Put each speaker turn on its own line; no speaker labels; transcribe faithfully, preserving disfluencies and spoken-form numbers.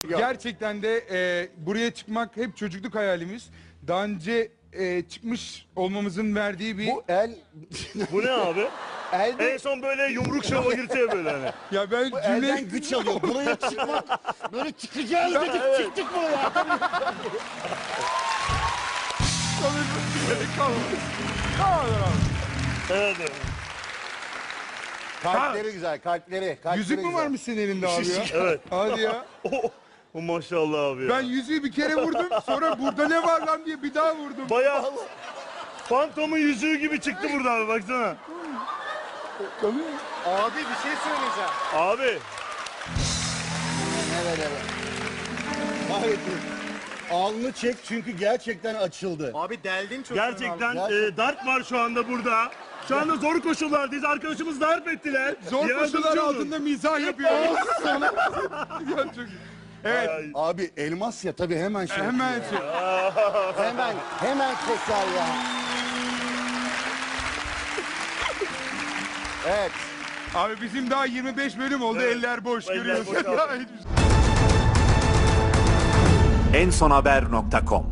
Gerçekten de e, buraya çıkmak hep çocukluk hayalimiz. Daha önce e, çıkmış olmamızın verdiği bir...
Bu el...
Bu ne abi?
Elde,
En son böyle yumruk şova girse ya böyle hani.
Ya ben
bu
cümle...
elden güç alıyor. Buraya çıkmak. Böyle çıkacağız dedik. Çıktık buraya.
Evet. evet.
Kalpleri güzel, kalpleri. kalpleri
Yüzük mü
güzel.
varmış senin elinde abi ya?
Evet.
Hadi ya.
Oh, oh, maşallah abi ya.
Ben yüzüğü bir kere vurdum, sonra burada ne var lan diye bir daha vurdum.
Bayağı fantomun yüzüğü gibi çıktı burada abi baksana.
Abi bir şey söyleyeceğim.
Abi
Evet evet. Kahretsin. Alnını çek çünkü gerçekten açıldı.
Abi deldin çocuğun
gerçekten
alnını.
e, darp var şu anda burada. Şu anda zor koşullardayız. Arkadaşımız darp ettiler.
Zor
Yardımcı
koşullar
olun.
altında mizah yapıyor. Ya çok- Evet,
Ay,
Abi elmas ya tabii hemen şey.
hemen
yapıyor
şey.
ya. Hemen, hemen keser ya. Evet.
Abi bizim daha yirmi beş bölüm oldu,
Evet.
eller boş
Eller
görüyorsun.
boş abi.
Ya, hiçbir-
ensonhaber nokta com